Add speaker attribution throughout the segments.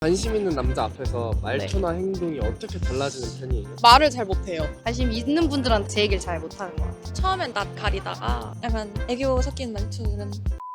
Speaker 1: 관심 있는 남자 앞에서 말투나 행동이 어떻게 달라지는 편이에요?
Speaker 2: 말을 잘 못해요.
Speaker 3: 관심 있는 분들한테 제 얘기를 잘 못하는 것 같아요.
Speaker 4: 처음엔 낯 가리다가 약간 애교 섞인 말투는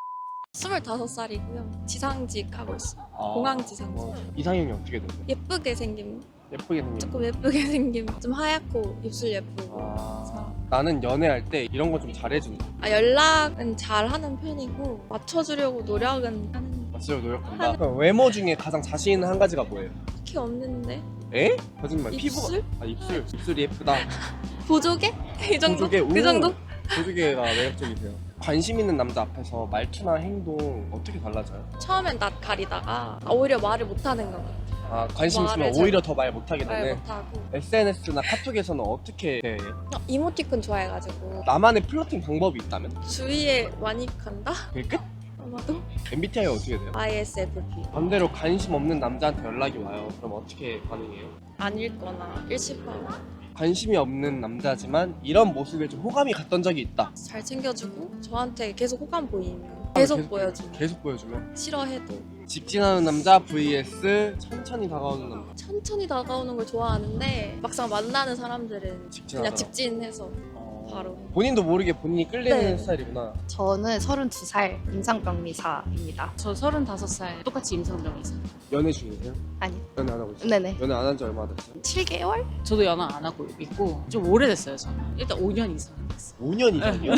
Speaker 4: 25살이고요. 지상직 하고 있어요. 공항 지상직.
Speaker 1: 이상형이 어떻게 되세요?
Speaker 4: 예쁘게 생김,
Speaker 1: 예쁘게 생긴
Speaker 4: 조금 예쁘게 생김, 좀 하얗고 입술 예쁘고.
Speaker 1: 나는 연애할 때 이런 거 좀 잘해준다.
Speaker 4: 연락은 잘 하는 편이고 맞춰주려고 노력은 하는
Speaker 1: 맞으려고 노력한다. 그럼 외모 중에 가장 자신 있는 한 가지가 뭐예요?
Speaker 4: 게 없는데
Speaker 1: 에? 거짓말.
Speaker 4: 입술?
Speaker 1: 입술이 예쁘다.
Speaker 4: 보조개? 이 정도?
Speaker 1: 보조개?
Speaker 4: 그 정도?
Speaker 1: 보조개가 매력적이세요. 관심 있는 남자 앞에서 말투나 행동 어떻게 달라져요?
Speaker 4: 처음엔 낯 가리다가 오히려 말을 못하는 것 같아요.
Speaker 1: 관심 있으면
Speaker 4: 말을 잘-
Speaker 1: 오히려 더 말 못하게
Speaker 4: 말
Speaker 1: 되네.
Speaker 4: 못하고
Speaker 1: SNS나 카톡에서는 어떻게 해요?
Speaker 4: 이모티콘 좋아해가지고
Speaker 1: 나만의 플러팅 방법이 있다면?
Speaker 4: 주위에 많이 간다?
Speaker 1: 그게 끝?
Speaker 4: 아마도
Speaker 1: MBTI가 어떻게 돼요?
Speaker 4: ISFP
Speaker 1: 반대로 관심 없는 남자한테 연락이 와요. 그럼 어떻게 반응해요?
Speaker 4: 안 읽거나 일식하고
Speaker 1: 관심이 없는 남자지만 이런 모습에 좀 호감이 갔던 적이 있다.
Speaker 4: 잘 챙겨주고 저한테 계속 호감 보이면 계속
Speaker 1: 계속-
Speaker 4: 보여주고
Speaker 1: 계속 보여주면
Speaker 4: 싫어해도
Speaker 1: 직진하는 남자 vs 천천히 다가오는 남자.
Speaker 4: 천천히 다가오는 걸 좋아하는데 막상 만나는 사람들은
Speaker 1: 직진하더라.
Speaker 4: 그냥 직진해서 바로
Speaker 1: 본인도 모르게 본인이 끌리는
Speaker 4: 네.
Speaker 1: 스타일이구나.
Speaker 3: 저는 32살 임상병리사입니다.
Speaker 5: 저 35살 똑같이 임상병이사.
Speaker 1: 연애 중이세요?
Speaker 3: 아니,
Speaker 1: 연애 안 하고 있어요?
Speaker 3: 네네.
Speaker 1: 연애 안 한 지 얼마나 됐어요?
Speaker 3: 7개월?
Speaker 5: 저도 연하 안 하고 있고 좀 오래됐어요. 저는 일단 5년 이상 됐어요.
Speaker 1: 5년 이상이요?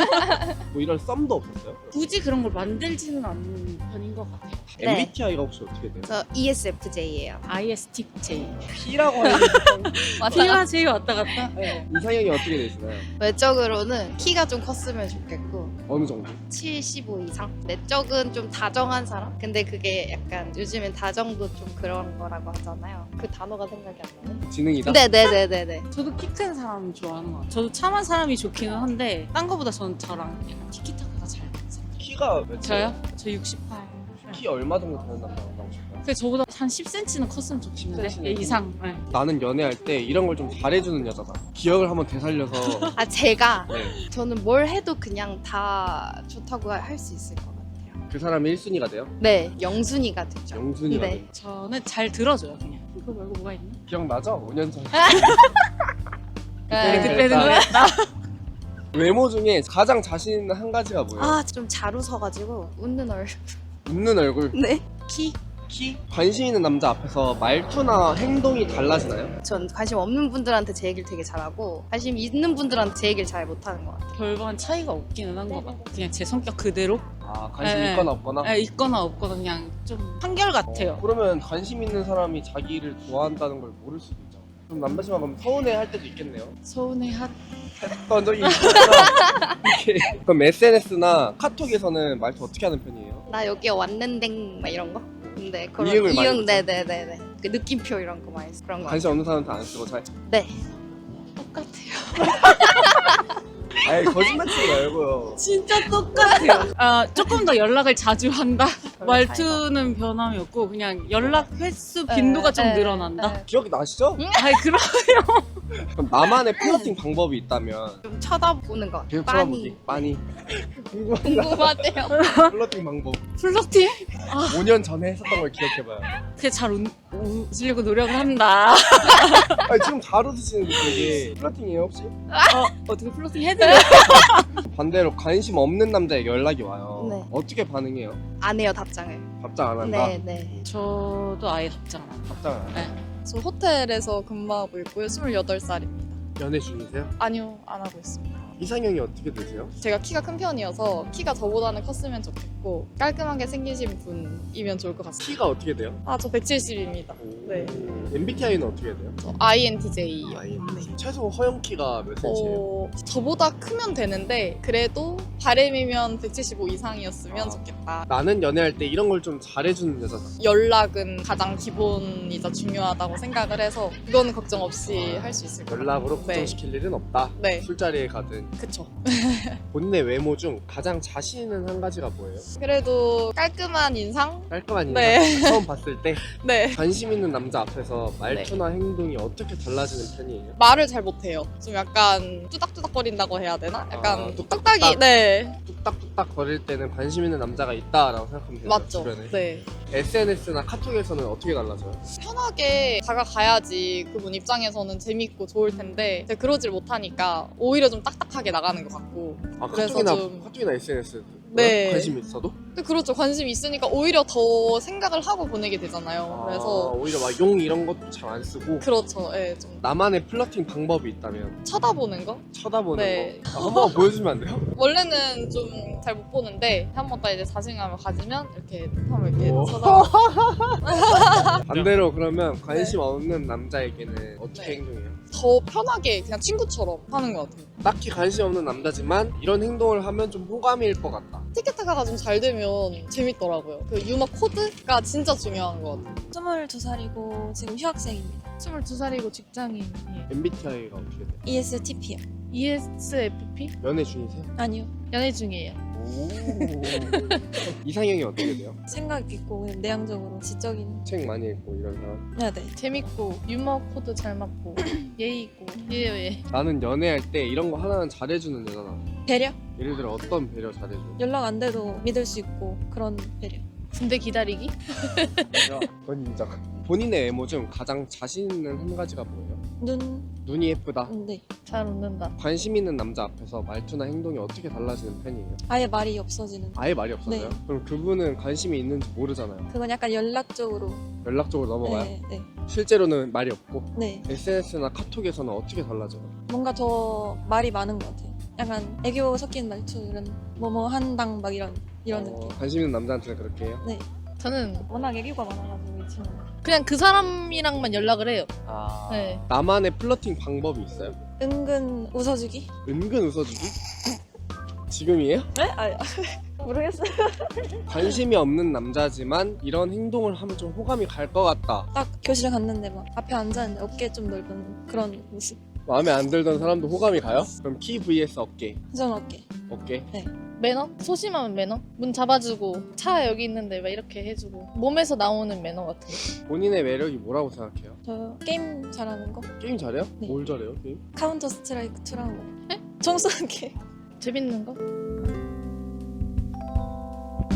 Speaker 1: 뭐 이런 썸도 없었어요?
Speaker 5: 굳이 그런 걸 만들지는 않는 편인 것 같아요.
Speaker 3: 네.
Speaker 1: MBTI가 혹시 어떻게 돼요?
Speaker 3: 저 ESFJ예요.
Speaker 5: ISTJ.
Speaker 1: P라고 하는
Speaker 5: P와 J 왔다 갔다.
Speaker 1: 이상형이 어떻게 되시나요?
Speaker 3: 외적으로는 키가 좀 컸으면 좋겠고
Speaker 1: 어느 정도?
Speaker 3: 75 이상? 내적은 좀 다정한 사람? 근데 그게 약간 요즘엔 다정도 좀 그런 거라고 하잖아요. 그 단어가 생각이 안 나네.
Speaker 1: 지능이다?
Speaker 3: 네네네네네.
Speaker 5: 저도 키 큰 사람 좋아하는 것 같아요. 저도 참한 사람이 좋기는 한데 딴 거보다 저는 저랑 약간 티키타카가 잘 맞아요.
Speaker 1: 키가 몇이에요?
Speaker 5: 저요? 저 68.
Speaker 1: 키 얼마 정도 되는 남자 만나고 싶어요?
Speaker 5: 근데 저보다 한 10cm는 컸으면 좋겠는데
Speaker 1: 10cm 는
Speaker 5: 예, 이상. 네.
Speaker 1: 나는 연애할 때 이런 걸 좀 잘해주는 여자다. 기억을 한번 되살려서
Speaker 3: 아, 제가
Speaker 1: 네.
Speaker 3: 저는 뭘 해도 그냥 다 좋다고 할 수 있을 것 같아요.
Speaker 1: 그 사람이 1순위가 돼요?
Speaker 3: 네, 영순이가 되죠.
Speaker 1: 영순위가
Speaker 3: 네.
Speaker 1: 돼요.
Speaker 5: 저는 잘 들어줘요 그냥. 그거 말고 뭐가 있나?
Speaker 1: 기억나죠? 5년 전.
Speaker 3: 네.
Speaker 5: 그때는
Speaker 1: 그랬다.
Speaker 5: 그랬다.
Speaker 1: 외모 중에 가장 자신 있는 한 가지가 뭐예요?
Speaker 3: 아, 좀 잘 웃어가지고 웃는 얼굴.
Speaker 1: 웃는 얼굴,
Speaker 3: 네.
Speaker 5: 키?
Speaker 1: 키? 관심 있는 남자 앞에서 말투나 행동이 달라지나요?
Speaker 3: 전 관심 없는 분들한테 제 얘기를 되게 잘하고 관심 있는 분들한테 제 얘기를 잘 못하는 것 같아요.
Speaker 5: 별반 차이가 없기는 한 것 같아요. 그냥 제 성격 그대로
Speaker 1: 관심
Speaker 5: 네.
Speaker 1: 있거나 없거나?
Speaker 5: 있거나 없거나 그냥 좀 한결같아요.
Speaker 1: 그러면 관심 있는 사람이 자기를 좋아한다는 걸 모를 수도 있죠. 그럼 남자친구가 그럼 서운해 할 때도 있겠네요.
Speaker 5: 서운해한
Speaker 1: 했던 적이 있구나. 이렇게. 그럼 SNS나 카톡에서는 말투 어떻게 하는 편이에요?
Speaker 3: 나 여기 왔는댕 막 이런 거? 근데 그런
Speaker 1: 이응을 많이 쓰죠?
Speaker 3: 네네네네. 그 느낌표 이런 거 많이 쓰 그런 거.
Speaker 1: 관심 없는 사람한테 안 쓰고 잘.
Speaker 3: 네.
Speaker 5: 똑같아요.
Speaker 1: 아이 거짓말 치지 말고요.
Speaker 5: 진짜 똑같아요. 조금 더 연락을 자주 한다. 말투는 변함이 없고 그냥 연락 횟수 빈도가 좀 늘어난다.
Speaker 1: 기억이 나시죠?
Speaker 5: 아니 그럼
Speaker 1: 그럼 나만의 플러팅 방법이 있다면
Speaker 3: 좀 쳐다보는 거.
Speaker 1: 계속
Speaker 3: 빤히.
Speaker 1: 쳐다보기. 빤히. 궁금하다.
Speaker 3: 궁금하대요.
Speaker 1: 플러팅 방법.
Speaker 5: 플러팅?
Speaker 1: 5년 전에 했었던 걸 기억해봐요.
Speaker 5: 그게 잘 웃으려고 노력을 한다.
Speaker 1: 아니, 지금 잘 웃으시는데 되게 플러팅이에요 혹시?
Speaker 5: 어떻게 플러팅 해드려?
Speaker 1: 반대로 관심 없는 남자에게 연락이 와요.
Speaker 3: 네.
Speaker 1: 어떻게 반응해요?
Speaker 3: 안 해요, 답장을.
Speaker 1: 답장 안 한다?
Speaker 3: 네네.
Speaker 5: 저도 아예 답장 안 해요.
Speaker 1: 답장 안 한다?
Speaker 2: 저 호텔에서 근무하고 있고요. 28살입니다.
Speaker 1: 연애 중이세요?
Speaker 2: 아니요, 안 하고 있습니다.
Speaker 1: 이상형이 어떻게 되세요?
Speaker 2: 제가 키가 큰 편이어서 키가 저보다는 컸으면 좋겠고 깔끔하게 생기신 분이면 좋을 것 같습니다.
Speaker 1: 키가 어떻게 돼요?
Speaker 2: 저 170입니다. 네.
Speaker 1: MBTI는 어떻게 돼요?
Speaker 2: 저 INTJ요.
Speaker 1: INTJ. 최소 허용 키가 몇 cm예요?
Speaker 2: 저보다 크면 되는데 그래도 바램이면 175 이상이었으면
Speaker 1: 아.
Speaker 2: 좋겠다.
Speaker 1: 나는 연애할 때 이런 걸 좀 잘해주는 여자다.
Speaker 2: 연락은 가장 기본이자 중요하다고 생각을 해서 그거는 걱정 없이 할 수 있을 것 같아요.
Speaker 1: 연락으로
Speaker 2: 네.
Speaker 1: 걱정시킬 일은 없다.
Speaker 2: 네.
Speaker 1: 술자리에 가든.
Speaker 2: 그쵸.
Speaker 1: 본인의 외모 중 가장 자신 있는 한 가지가 뭐예요?
Speaker 2: 그래도 깔끔한 인상?
Speaker 1: 깔끔한 인상.
Speaker 2: 네.
Speaker 1: 처음 봤을 때
Speaker 2: 네.
Speaker 1: 관심 있는 남자 앞에서 말투나 행동이 어떻게 달라지는 편이에요?
Speaker 2: 말을 잘 못해요. 좀 약간 뚜닥뚜닥거린다고 해야 되나? 약간
Speaker 1: 뚝딱뚝딱.
Speaker 2: 뚝딱이, 네. 네,
Speaker 1: 뚝딱뚝딱 거릴 때는 관심 있는 남자가 있다라고 생각하면 되죠.
Speaker 2: 맞죠.
Speaker 1: 주변에.
Speaker 2: 네.
Speaker 1: SNS나 카톡에서는 어떻게 달라져요?
Speaker 2: 편하게 다가가야지 그분 입장에서는 재밌고 좋을 텐데 제가 그러질 못하니까 오히려 좀 딱딱하게 나가는 것 같고.
Speaker 1: 아,
Speaker 2: 그래서
Speaker 1: 카톡이나 SNS
Speaker 2: 네.
Speaker 1: 관심 있어도?
Speaker 2: 근데 그렇죠. 관심이 있으니까 오히려 더 생각을 하고 보내게 되잖아요. 그래서
Speaker 1: 오히려 막 용 이런 것도 잘 안 쓰고
Speaker 2: 그렇죠. 예, 좀
Speaker 1: 나만의 플러팅 방법이 있다면
Speaker 2: 쳐다보는 거?
Speaker 1: 쳐다보는
Speaker 2: 네.
Speaker 1: 거 한번 보여주면 안 돼요?
Speaker 2: 원래는 좀 잘 못 보는데 한 번 딱 이제 자신감을 가지면 이렇게 하면 이렇게
Speaker 1: 오.
Speaker 2: 쳐다보고.
Speaker 1: 반대로 그러면 관심 없는 남자에게는 어떻게
Speaker 2: 네.
Speaker 1: 행동해요?
Speaker 2: 더 편하게 그냥 친구처럼 하는 것 같아요.
Speaker 1: 딱히 관심 없는 남자지만 이런 행동을 하면 좀 호감일 것 같다.
Speaker 2: 티켓타카가 좀 잘 되면 재밌더라고요. 그 유머 코드가 진짜 중요한 것 같아요.
Speaker 4: 22살이고 지금 휴학생입니다.
Speaker 6: 22살이고 직장인이에요.
Speaker 1: MBTI가 어떻게 돼요?
Speaker 4: ESTP요.
Speaker 6: ESFP?
Speaker 1: 연애 중이세요?
Speaker 4: 아니요.
Speaker 6: 연애 중이에요.
Speaker 1: 오. 이상형이 어떻게 돼요?
Speaker 4: 생각 있고 그냥 내향적으로 지적인.
Speaker 1: 책 많이 읽고 이런 사람.
Speaker 4: 네, 네.
Speaker 6: 재밌고 유머 코드 잘 맞고 예의 있고 예예.
Speaker 1: 나는 연애할 때 이런 거 하나는 잘해주는 여자다.
Speaker 4: 배려?
Speaker 1: 예를 들어 어떤 배려 잘해줘?
Speaker 4: 연락 안 돼도 믿을 수 있고 그런 배려.
Speaker 6: 군대 기다리기?
Speaker 1: 그건 인정. 본인의 외모 중 가장 자신 있는 한 가지가 뭐예요? 눈이 예쁘다.
Speaker 4: 네.
Speaker 6: 잘 웃는다.
Speaker 1: 관심 있는 남자 앞에서 말투나 행동이 어떻게 달라지는 편이에요?
Speaker 4: 아예 말이 없어지는.
Speaker 1: 아예 말이 없어져요?
Speaker 4: 네.
Speaker 1: 그럼 그분은 관심이 있는지 모르잖아요.
Speaker 4: 그건 약간 연락적으로.
Speaker 1: 연락적으로 넘어가요?
Speaker 4: 네, 네.
Speaker 1: 실제로는 말이 없고
Speaker 4: 네.
Speaker 1: SNS나 카톡에서는 어떻게 달라져요?
Speaker 4: 뭔가 더 말이 많은 것 같아요. 약간 애교 섞인 말투 이런 뭐뭐 한당 막 이런 느낌.
Speaker 1: 관심 있는 남자한테는 그렇게 해요?
Speaker 6: 저는
Speaker 4: 워낙 애교가 많아가지고 이 친구.
Speaker 6: 그냥 그 사람이랑만 연락을 해요. 네.
Speaker 1: 나만의 플러팅 방법이 있어요?
Speaker 4: 은근 웃어주기?
Speaker 1: 은근 웃어주기? 지금이에요?
Speaker 4: 네? 아 모르겠어요.
Speaker 1: 관심이 없는 남자지만 이런 행동을 하면 좀 호감이 갈 것 같다.
Speaker 4: 딱 교실에 갔는데 막 앞에 앉았는데 어깨 좀 넓은 그런 모습.
Speaker 1: 마음에 안 들던 사람도 호감이 가요? 그럼 키 vs 어깨.
Speaker 4: 저는 어깨.
Speaker 1: 어깨?
Speaker 6: 매너? 소심하면 매너? 문 잡아주고 차 여기 있는데 막 이렇게 해주고 몸에서 나오는 매너 같은 거.
Speaker 1: 본인의 매력이 뭐라고 생각해요?
Speaker 4: 저 게임 잘하는 거?
Speaker 1: 게임 잘해요?
Speaker 4: 네.
Speaker 1: 뭘 잘해요? 게임?
Speaker 4: 카운터 스트라이크 2랑 뭐? 총 쏘는 게.
Speaker 6: 재밌는 거?